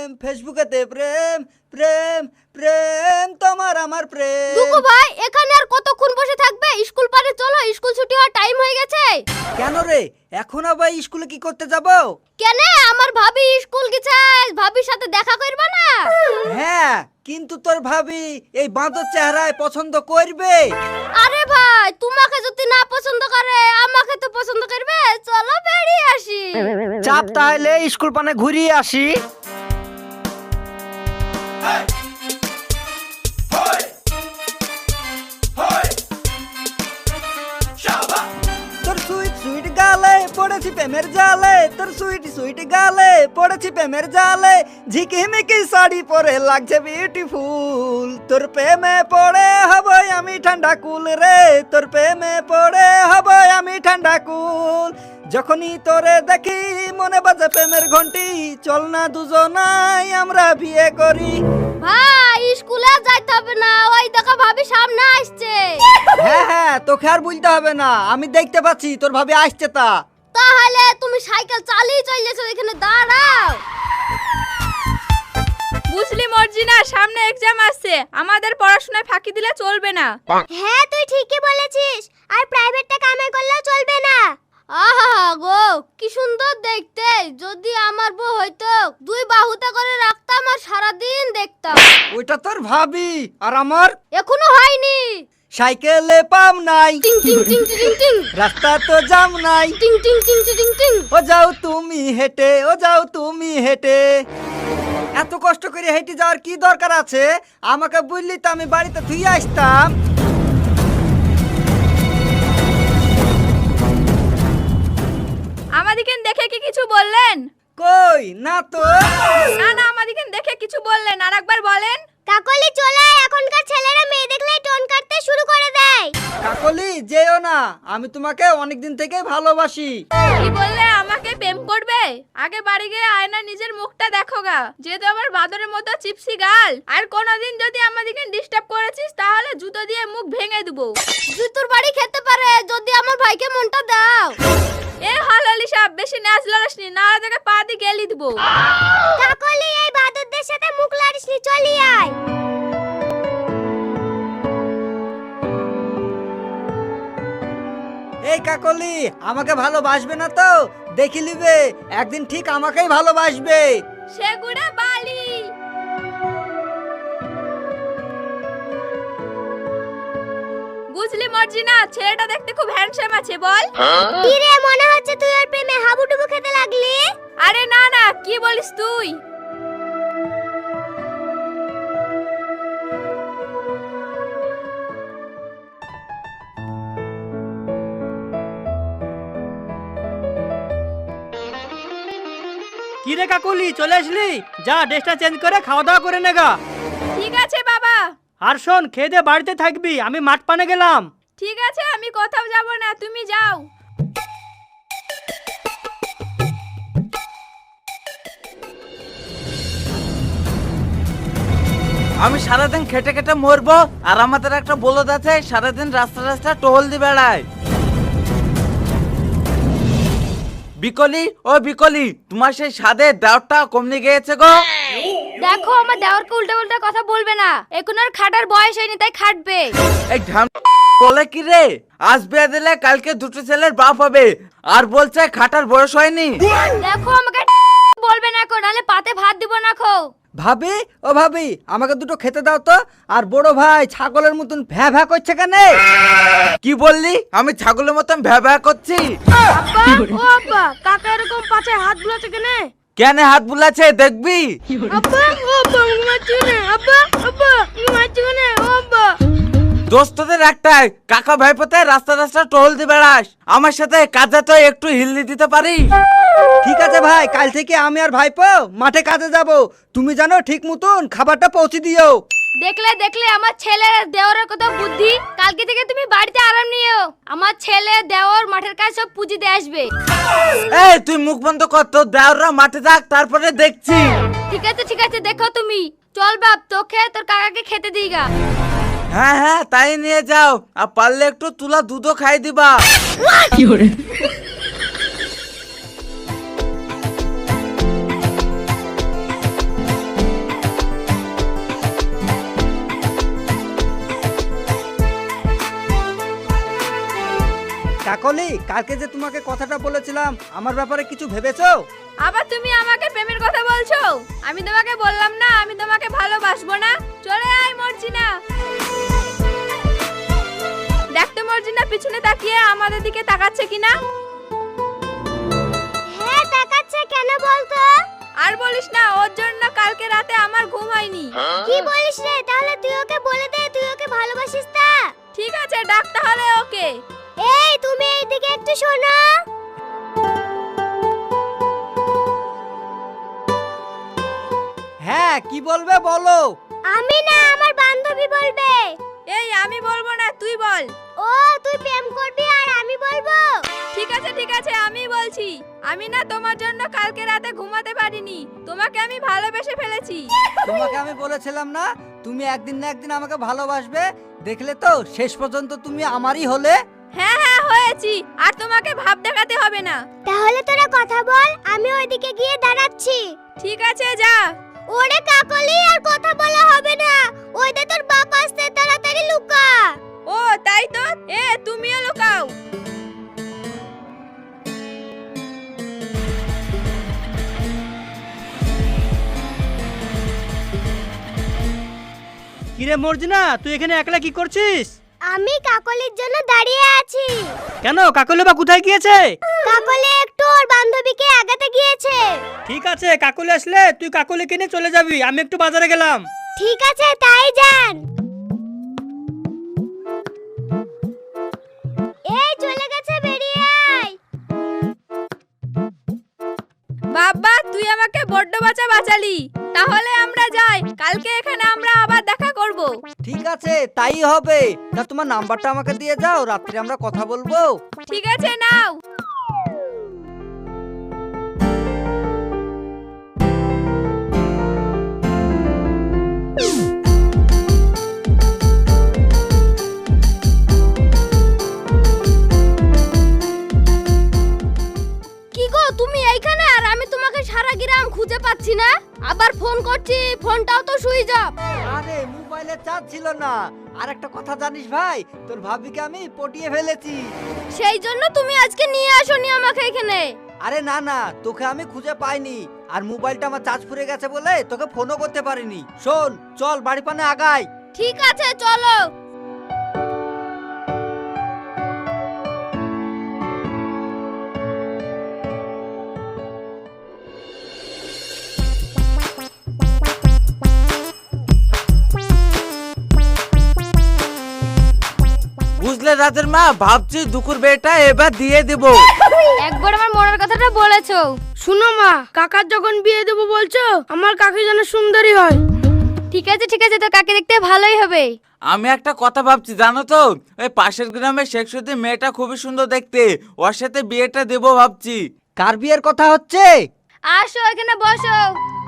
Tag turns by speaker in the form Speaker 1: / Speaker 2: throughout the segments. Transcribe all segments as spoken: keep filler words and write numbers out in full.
Speaker 1: প্রেম ফেসবুকেতে প্রেম প্রেম প্রেম তোমার আমার প্রেম।
Speaker 2: দুকু ভাই এখানে আর কতক্ষণ বসে থাকবে? স্কুল পারে চলো, স্কুল ছুটি হওয়ার টাইম হয়ে গেছে।
Speaker 1: কেন রে, এখন আবার স্কুলে কি করতে যাব?
Speaker 2: কেন, আমার ভাবি স্কুল গেছে, ভাবির সাথে দেখা করবে না?
Speaker 1: হ্যাঁ, কিন্তু তোর ভাবি এই বাঁদর চেহারায় পছন্দ করবে?
Speaker 2: আরে ভাই, তোমাকে যদি না পছন্দ করে আমাকে তো পছন্দ করবে। চলো বেরিয়ে আসি।
Speaker 1: চাপ, তাহলে স্কুল পানে ঘুরিয়ে আসি। তোর সুইট সুইট গালে পড়েছি প্রেমের জালে, তোর সুইট সুইট গালে পড়েছি প্রেমের জালে, ঝিকিমিকি শাড়ি পরে লাগছে বিউটিফুল। তোর প্রেমে পড়ে হব আমি ঠান্ডা কুল রে, তোর প্রেমে পড়ে হব আমি ঠান্ডা কুল। যখনই তোরে দেখি মনে বাজে প্রেমের ঘন্টি, চল না দুজনাই আমরা বিয়ে করি।
Speaker 2: ভাই স্কুলে যাইতে হবে না, ওই দেখো ভাবি সামনে আসছে।
Speaker 1: হ্যাঁ হ্যাঁ, তোকে আর বলতে হবে না, আমি দেখতে পাচ্ছি তোর ভাবি আসছে। তা
Speaker 2: তাহলে তুমি সাইকেল চালিয়ে চলেছো, এখানে দাঁড়াও।
Speaker 3: বুঝলি মর্জিনা, সামনে এক্সাম আসছে, আমাদের পড়াশোনায় ফাঁকি দিলে চলবে না।
Speaker 2: হ্যাঁ তুই ঠিকই বলেছিস, আর প্রাইভেটটা কামাই করলেও চলবে না। আহা গো, কি সুন্দর দেখতে। যদি আমার বউ হইতো, দুই বাহুতে করে রাখতাম আর সারাদিন দেখতাম।
Speaker 1: ওইটা তোর ভাবি, আর আমার
Speaker 2: এখনো হয়নি।
Speaker 1: সাইকেলে পাম নাই,
Speaker 2: টিং টিং টিং টিং টিং,
Speaker 1: রাস্তা তো জাম নাই,
Speaker 2: টিং টিং টিং টিং টিং।
Speaker 1: ও যাও তুমি হেঁটে, ও যাও তুমি হেঁটে। এত কষ্ট করে হেঁটে যাওয়ার কি দরকার আছে? আমাকে বললি তো আমি বাড়িতে ধুয়ে আসতাম।
Speaker 3: আমাদিকে দেখে কি কিছু বললেন?
Speaker 1: কই না তো।
Speaker 3: না না, আমাদিকে দেখে কিছু বললেন, আরেকবার বলেন।
Speaker 2: কাকলি চলে, এখনকার ছেলেরা মেয়ে দেখলেই টোন কাটতে শুরু করে দেয়।
Speaker 1: কাকলি যেও না, আমি তোমাকে অনেকদিন থেকে ভালোবাসি।
Speaker 3: কি বললে? আমাকে প্রেম করবে? আগে বাড়ি গিয়ে আয়না নিজের মুখটা দেখো গা, যেহেতু আমার বাদরের মতো চিপসি গাল। আর কোনোদিন যদি আমাদিকে ডিস্টার্ব করেছিস তাহলে জুতো দিয়ে মুখ ভেঙে দেবো।
Speaker 2: জুতোর বাড়ি খেতে পারে, যদি আমার ভাইকে মনটা দাও।
Speaker 3: এ হালালি সাহেব, বেশি নাচ লড়াসনি, না তোকে পা দিয়ে গেলি দেবো।
Speaker 2: কাকলি এই বাদরদের সাথে মুখ লাড়িসনি, চলি আয়।
Speaker 1: এই কাকলি আমাকে ভালোবাসবে না তো? দেখি লিবে, একদিন ঠিক আমাকেই ভালোবাসবে।
Speaker 3: সেগুড়া বালি। বুঝলি মর্জিনা, ছেলেটা দেখতে খুব হ্যান্ডসাম আছে, বল।
Speaker 2: কি রে, মনে হচ্ছে তুই ওর প্রেমে হাবুডুবু খেতে লাগলি?
Speaker 3: আরে না না, কি বলিস তুই?
Speaker 4: কি রে কাকুলি, চলে আসলি? যা ড্রেসটা চেঞ্জ করে খাওয়া দাওয়া করে নেগা।
Speaker 3: ঠিক আছে বাবা।
Speaker 4: আর শোন, খেয়ে দিয়ে বাড়িতে থাকবি, আমি মাঠ পানে গেলাম।
Speaker 3: ঠিক আছে, আমি কোথাও যাব না, তুমি যাও।
Speaker 5: আমি সারাদিন খেটে খেটে মরবো, আর আমাদের একটা বলদ আছে সারাদিন রাস্তা রাস্তা টহল দিয়ে বেড়ায়। বিকলি, ও বিকলি, তোমার সেই স্বাদের দাওয়াতটা কমে গিয়েছে গো।
Speaker 2: দেখো, আমার দেওরকে উল্টা উল্টা কথা বলবে না, এখন আর খাটার বয়স হয়নি, তাই খাটবে।
Speaker 5: এই ঢাম বলে কি রে, আজ বিয়ে দিলে কালকে দুটো ছেলের বাপ হবে, আর বলছে খাটার বয়স হয়নি।
Speaker 2: দেখো, আমাকে বলবে না কো, নালে পাতে ভাত দিব না খো।
Speaker 1: ভাবি, ও ভাবি, আমাকে দুটো খেতে দাও তো। আর বড় ভাই ছাগলের মতন ভ্যা ভ্যা করছে কেন?
Speaker 5: কি বললি? আমি ছাগলের মতন ভ্যা ভ্যা করছি?
Speaker 2: আব্বা, ও আব্বা, কাকা এরকম পাছে হাত বুলাচ্ছে কেন?
Speaker 5: কেন হাত বুলাচ্ছে দেখবি?
Speaker 2: আব্বা, ও আব্বা, ঘুমাচ্ছি না। আব্বা, আব্বা, ঘুমাচ্ছি না। ও আব্বা,
Speaker 5: দোস্তদের একটাই, কাকা ভাইপোতে রাস্তা রাস্তা টহল দিয়ে বেড়াস, আমার সাথে কাজে তো একটু হিলদি দিতে পারি?
Speaker 1: ঠিক আছে ভাই, কাল থেকে আমি আর ভাইপো মাঠে কাজে যাব। তুমি জানো ঠিক মতন খাবারটা পৌঁছে দিও।
Speaker 2: দেখলে দেখলে আমার ছেলের দেওরের কত বুদ্ধি। কালকে থেকে তুমি বাড়িতে আরাম নিও, আমার ছেলে দেওর মাঠের কাজ সব পুঁজি দিয়ে আসবে।
Speaker 5: এই তুই মুখ বন্ধ কর, তোর দেওররা মাঠে থাক, তারপরে দেখছি।
Speaker 2: ঠিক আছে ঠিক আছে, দেখো তুমি। চল বাপ, তোকে তোর কাকাকে খেতে দিগা।
Speaker 5: হ্যাঁ হ্যাঁ, তাই নিয়ে যাও, আর পারলে একটু তুলা দুধও খাই দিবা।
Speaker 1: কাকলি, কালকে যে তোমাকে কথাটা বলেছিলাম আমার ব্যাপারে কিছু ভেবেছো?
Speaker 3: আবার তুমি আমাকে প্রেমের কথা বলছো? আমি তোমাকে বললাম না আমি তোমাকে ভালোবাসবো না? চলে আয় মর্জিনা। দেখতে মর্জিনা পিছনে তাকিয়ে আমাদের দিকে তাকাচ্ছে কিনা।
Speaker 2: হ্যাঁ তাকাচ্ছে, কেন বলতো?
Speaker 3: আর বলিস না, ওর জন্য কালকে রাতে আমার ঘুম হয়নি।
Speaker 2: কি বলিস রে? তাহলে তুই ওকে বলে দে তুই ওকে ভালোবাসিস তা।
Speaker 3: ঠিক আছে, ডাক তাহলে ওকে।
Speaker 2: এই তুমি এইদিকে একটু শোনো।
Speaker 1: হ্যাঁ, কি বলবে বলো।
Speaker 2: আমি না, আমার বান্ধবী বলবে।
Speaker 3: এই আমি বলবো না, তুই বল।
Speaker 2: ও তুই প্রেম করবি আর আমি বলবো?
Speaker 3: ঠিক আছে ঠিক আছে, আমি বলছি। আমি না তোমার জন্য কালকে রাতে ঘুমাতে পারিনি, তোমাকে আমি ভালোবেসে ফেলেছি।
Speaker 1: তোমাকে আমি বলেছিলাম না তুমি একদিন না একদিন আমাকে ভালোবাসবে, দেখলে তো শেষ পর্যন্ত তুমি আমারই হলে।
Speaker 3: হ্যাঁ হ্যাঁ হয়েছি, আর তোমাকে ভাব দেখাতে হবে না।
Speaker 2: তাহলে তোরা কথা বল, আমি ওইদিকে গিয়ে দাঁড়াচ্ছি।
Speaker 3: ঠিক আছে যা।
Speaker 2: ওরে কাকলি, আর কথা বলা হবে না। ওই দে তোর বাপ আসছে, তাড়াতাড়ি লুকা।
Speaker 3: ও তাই তো, এ তুমিও লুকাও।
Speaker 4: কিরে মর্জিনা, তুই এখানে একলা কি করছিস?
Speaker 2: আমি কাকলির জন্য দাঁড়িয়ে আছি।
Speaker 4: কেন, কাকলি বা কোথায় গিয়েছে?
Speaker 2: কাকলি একটু ওর বান্ধবীকে আগাতে গিয়েছে।
Speaker 4: ঠিক আছে, কাকলি আসলে তুই কাকলি কিনে চলে যাবি, আমি একটু বাজারে গেলাম।
Speaker 2: ঠিক আছে, তাই যান। এই চলে গেছে, বেরিয়ে আয়।
Speaker 3: বাবা তুই আমাকে বড্ড বাঁচা বাঁচালি। তাহলে আমরা যাই, কালকে এখানে আমরা আবার দেখা করব।
Speaker 1: ঠিক আছে, তাই হবে। তা তোমার নাম্বারটা আমাকে দিয়ে যাও, রাত্রে আমরা কথা বলবো।
Speaker 3: ঠিক আছে নাও।
Speaker 2: কি গো তুমি এইখানে, আর আমি তোমাকে সারা গ্রাম খুঁজে পাচ্ছি না। আবার ফোন করছি, ফোনটাও তো সুইচ অফ।
Speaker 1: আরে মোবাইলে চার্জ ছিল না। আর একটা কথা জানিস ভাই, তোর ভাবিকে আমি পটিয়ে ফেলেছি।
Speaker 2: সেই জন্য তুমি আজকে নিয়ে আসোনি আমাকে এখানে।
Speaker 1: আরে না না, তোকে আমি খুঁজে পাইনি, আর মোবাইলটা আমার চার্জ ফুরে গেছে বলে তোকে ফোনও করতে পারিনি। শোন, চল বাড়ি পানে আগাই।
Speaker 2: ঠিক আছে চলো।
Speaker 5: বুঝলে রাতের মা, ভাবছি দুকুর বেটা এবার দিয়ে দিব।
Speaker 2: একবার আমার মনের কথাটা বলেছো।
Speaker 6: শুনো মা, কাকার যখন বিয়ে দেবো বলছো, আমার কাকি যেন সুন্দরী হয়।
Speaker 2: ঠিক আছে ঠিক আছে, তো কাকে দেখতে ভালোই হবে।
Speaker 5: আমি একটা কথা ভাবছি জানো তো, ওই পাশের গ্রামের শেখসুদি মেয়েটা খুবই সুন্দর দেখতে, ওর সাথে বিয়েটা দেবো ভাবছি।
Speaker 1: কার বিয়ের কথা হচ্ছে?
Speaker 2: আসো এখানে বসো।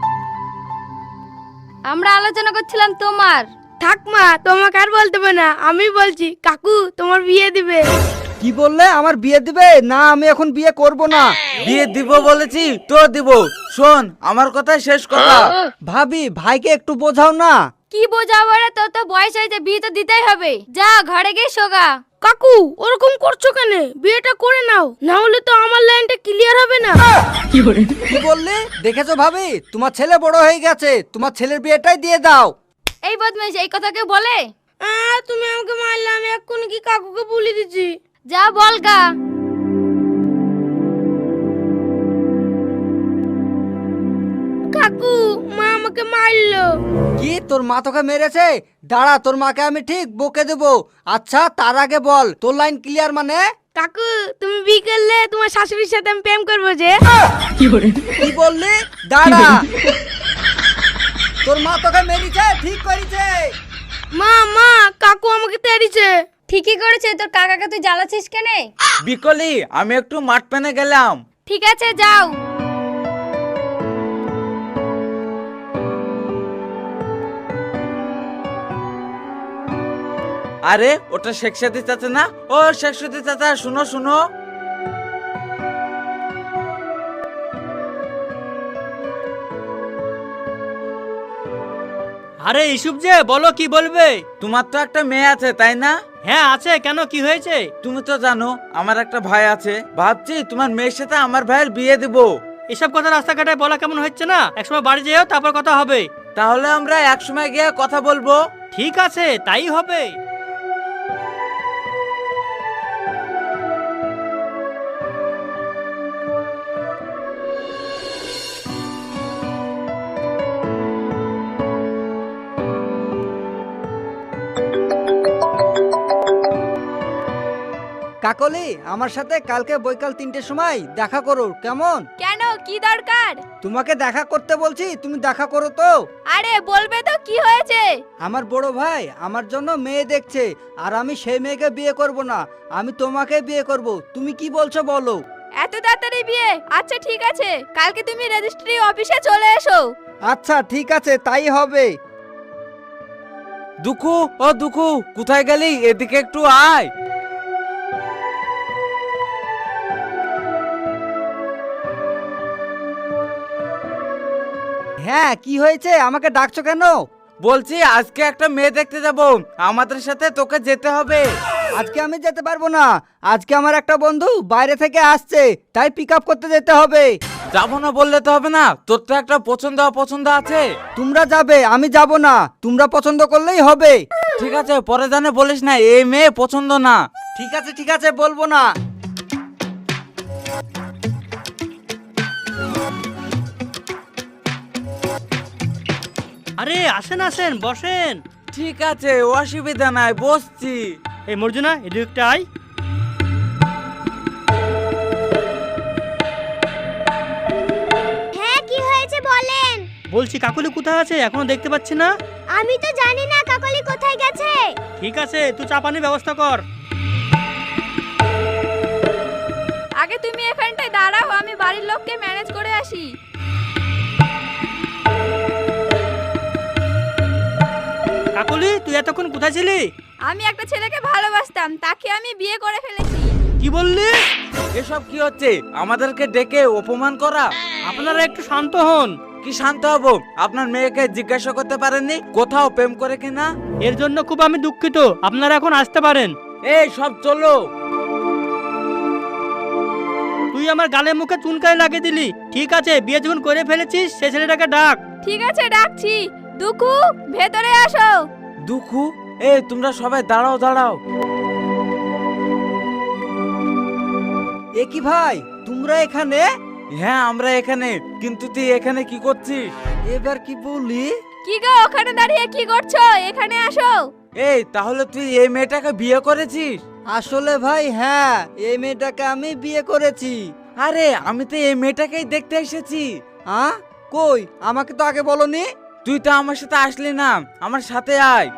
Speaker 2: আমরা আলোচনা করছিলাম তোমার।
Speaker 6: থাক মা, তোমাকে আর বলতে হবে না, আমি বলছি কাকু তোমার বিয়ে দিবে।
Speaker 1: কি বললে? আমার বিয়ে দিবে? না, আমি এখন বিয়ে করব না।
Speaker 5: বিয়ে দিব বলেছি তো দিব। শোন আমার কথা শেষ কথা।
Speaker 1: ভাবি, ভাইকে একটু বোঝাও না।
Speaker 2: কি বোঝাবো রে, তোর তো বয়স হয়েছে, বিয়ে তো দিতেই হবে। যা ঘরে গিয়ে শোগা।
Speaker 6: কাকু ওরকম করছো কেন? বিয়েটা করে নাও, না হলে তো আমার লাইনটা ক্লিয়ার হবে না।
Speaker 1: কি বললে? দেখেছো ভাবি, তোমার ছেলে বড় হয়ে গেছে, তোমার ছেলের বিয়েটাই দিয়ে দাও।
Speaker 2: এই বদমাইশ, এই কথা কেউ বলে?
Speaker 6: আহ, তুমি আমাকে মারলে, আমি এক্ষুনি কি কাকুকে বলে দিচ্ছি।
Speaker 2: যা বলগা।
Speaker 6: কাকু মা আমাকে মারলো।
Speaker 1: কি, তোর মা তোকে মেরেছে? দাঁড়া, তোর মাকে আমি ঠিক বকে দেবো। আচ্ছা, তার আগে বল, তোর লাইন ক্লিয়ার মানে?
Speaker 6: কাকু তুমি বিয়ে করলে তোমার শাশুড়ির সাথে আমি প্রেম করবো যে।
Speaker 1: কি বললি? দাঁড়া, তোর মা তোকে মেরেছে, ঠিক করেছে।
Speaker 6: মা মা, কাকু আমাকে তেড়িছে।
Speaker 2: ঠিকই করেছে, তোর কাকাকে তুই জ্বালাচ্ছিস কেনে?
Speaker 5: বিকলি, আমি একটু মাঠ পেনে গেলাম।
Speaker 2: ঠিক আছে যাও।
Speaker 5: আরে ওটা শেখসাদি চাচা না? ও শেখসাদি চাচা, শুনো শুনো।
Speaker 4: আরে ইসুপ যে, বলো কি বলবে?
Speaker 5: তোমার তো একটা মেয়ে আছে তাই না?
Speaker 4: হ্যাঁ আছে, কেন কি হয়েছে?
Speaker 5: তুমি তো জানো আমার একটা ভাই আছে, ভাবছি তোমার মেয়ের সাথে আমার ভাইয়ের বিয়ে দিব।
Speaker 4: এসব কথা রাস্তাঘাটে বলা কেমন হচ্ছে না? একসময় বাড়ি যেও, তারপর কথা হবে।
Speaker 5: তাহলে আমরা একসময় গিয়ে কথা বলবো।
Speaker 4: ঠিক আছে, তাই হবে।
Speaker 1: কাকলি, আমার সাথে কালকে বৈকাল তিনটের সময় দেখা করো, কেমন?
Speaker 3: কেন, কি দরকার?
Speaker 1: তোমাকে দেখা করতে বলছি, তুমি দেখা করো তো।
Speaker 3: আরে বলবে তো, কি হয়েছে?
Speaker 1: আমার বড় ভাই আমার জন্য মেয়ে দেখছে, আর আমি সেই মেয়েকে বিয়ে করব না, আমি তোমাকে বিয়ে করব। তুমি কি বলছো বলো?
Speaker 3: এত তাড়াতাড়ি বিয়ে? আচ্ছা ঠিক আছে, কালকে তুমি রেজিস্ট্রি অফিসে চলে এসো।
Speaker 1: আচ্ছা ঠিক আছে, তাই হবে।
Speaker 5: দুখু, ও দুখু, কোথায় গেলি? এদিকে একটু আয়।
Speaker 1: হ্যাঁ, কি হয়েছে, আমাকে ডাকছো কেন?
Speaker 5: বলছি আজকে একটা মেয়ে দেখতে যাব, আমাদের সাথে তোকে যেতে হবে।
Speaker 1: আজকে আমি যেতে পারবো না, আজকে আমার একটা বন্ধু বাইরে থেকে আসছে, তাই পিক আপ করতে যেতে হবে।
Speaker 5: যাবো না বললে তো হবে না, তোর তো একটা পছন্দ অপছন্দ আছে।
Speaker 1: তোমরা যাবে, আমি যাব না, তোমরা পছন্দ করলেই হবে।
Speaker 5: ঠিক আছে, পরে জানে বলিস না এই মেয়ে পছন্দ না।
Speaker 1: ঠিক আছে ঠিক আছে, বলবো না।
Speaker 4: আরে আসেন আসেন, বসেন।
Speaker 5: ঠিক আছে, অসুবিধা নাই, বসছি।
Speaker 4: এই মর্জুনা, এদিকটা আয়।
Speaker 2: হ্যাঁ, কি হয়েছে বলেন।
Speaker 4: বলছি কাকুলি কোথায় আছে, এখনো দেখতে পাচ্ছি না।
Speaker 2: আমি তো জানি না কাকলি কোথায় গেছে।
Speaker 4: ঠিক আছে, তুই চা পানির ব্যবস্থা কর।
Speaker 3: আগে তুমি এখানটায় দাঁড়াও, আমি বাড়ির লোককে ম্যানেজ করে আসি।
Speaker 4: কাকুলি, তুই এতক্ষণ কোথায় ছিলি?
Speaker 3: আমি একটা ছেলেকে ভালোবাসতাম, তাকে আমি বিয়ে করে ফেলেছি।
Speaker 4: কি বললি?
Speaker 5: এসব কি হচ্ছে? আমাদেরকে ডেকে অপমান করা।
Speaker 4: আপনারা একটু শান্ত হন।
Speaker 5: কি শান্ত হব? আপনার মেয়েকে জিজ্ঞাসা করতে পারেননি কোথাও প্রেম করে কিনা?
Speaker 4: এর জন্য খুব আমি দুঃখিত, আপনারা এখন আসতে পারেন।
Speaker 5: এই সব চলো।
Speaker 4: তুই আমার গালে মুখে চুনকাই লাগিয়ে দিলি। ঠিক আছে, বিয়ে যখন করে ফেলেছিস সে ছেলেটাকে ডাক।
Speaker 3: ঠিক আছে, ডাকছি। দুকু, ভেতরে আসো।
Speaker 5: দুখু, এই তোমরা সবাই দাঁড়াও দাঁড়াও।
Speaker 1: এ কি ভাই, তোমরা এখানে?
Speaker 5: হ্যাঁ আমরা এখানে, কিন্তু তুই এখানে কি করছিস?
Speaker 1: এবার কি বলি?
Speaker 3: কি গো, ওখানে দাঁড়িয়ে কি করছো? এখানে আসো।
Speaker 5: এই তাহলে তুই এই মেয়েটাকে বিয়ে করেছিস?
Speaker 1: আসলে ভাই হ্যাঁ, এই মেয়েটাকে আমি বিয়ে করেছি।
Speaker 5: আরে আমি তো এই মেয়েটাকেই দেখতে এসেছি।
Speaker 1: হ্যাঁ, কই, আমাকে তো আগে বলনি।
Speaker 5: তুই তো আমার সাথে আসলি না, আমার সাথে আয়।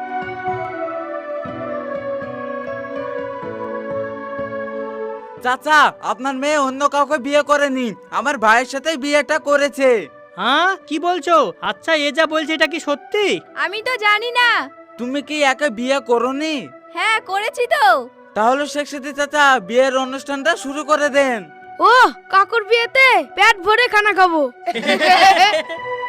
Speaker 5: চাচা, আপনার মেয়ে অন্য কাউকে বিয়ে করেনি, আমার ভাইয়ের সাথে বিয়েটা করেছে।
Speaker 4: হ্যাঁ, কি বলছো? আচ্ছা, এ যা বলছে এটা কি সত্যি?
Speaker 3: আমি তো জানি না।
Speaker 5: তুমি কি একে বিয়ে করনি?
Speaker 3: হ্যাঁ, করেছি তো।
Speaker 5: তাহলে শেখ সাথী চাচা বিয়ের অনুষ্ঠানটা শুরু করে দেন।
Speaker 6: ও, কাকুর বিয়েতে পেট ভরে খানা খাবো।